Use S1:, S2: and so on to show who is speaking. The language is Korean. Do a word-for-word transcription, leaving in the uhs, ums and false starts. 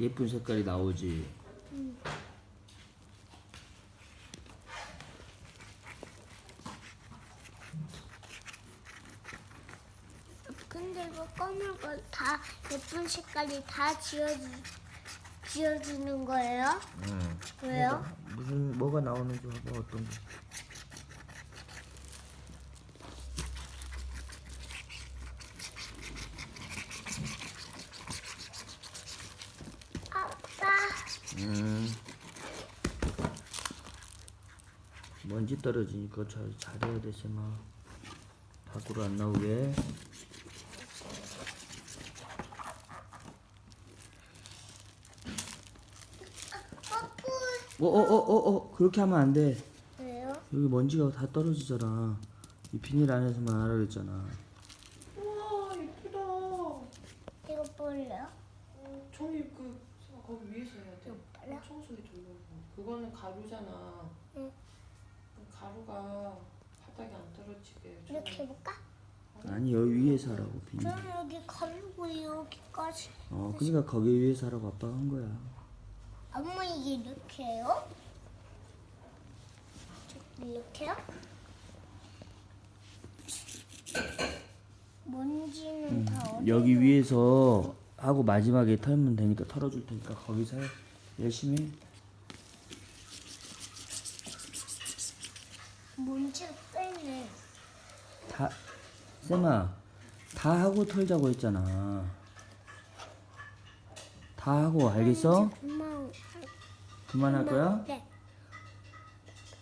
S1: 예쁜 색깔이 나오지.
S2: 응. 근데 이거 검은 거 다 예쁜 색깔이 다 지워주, 지워주는 거예요?
S1: 응.
S2: 왜요?
S1: 무슨 뭐가 나오는지 봐봐. 어떤 거.
S2: 아빠.
S1: 음. 먼지 떨어지니까 잘 잘해야 돼, 쌤아. 밖으로 안 나오게. 어, 어, 어, 어, 어, 그렇게 하면 안 돼.
S2: 왜요?
S1: 여기 먼지가 다 떨어지잖아. 이 비닐 안에서만 하라 그랬잖아.
S3: 우와 예쁘다.
S2: 이거 볼래요?
S3: 어, 종이 그 거기 위에서 해야 돼.
S2: 빨라?
S3: 청소기 돌려고. 그거는 가루잖아.
S2: 응.
S3: 가루가 바닥에 안 떨어지게.
S2: 이렇게 해볼까?
S1: 아니, 여기 위에서 하라고, 비닐.
S2: 그럼 여기 가르고 여기까지.
S1: 어, 그러니까 거기 위에서 하라고 아빠가 한 거야.
S2: 엄마 이게 이렇게 해요? 이렇게요? 먼지는
S1: 음,
S2: 다 어디?
S1: 여기 위에서 하고 마지막에 털면 되니까 털어줄 테니까 거기서 해. 열심히 해.
S2: 먼지가 빼네.
S1: 다, 쌤아, 다 하고 털자고 했잖아. 다 하고, 알겠어?
S2: 그만.
S1: 그만할 거야?
S2: 네.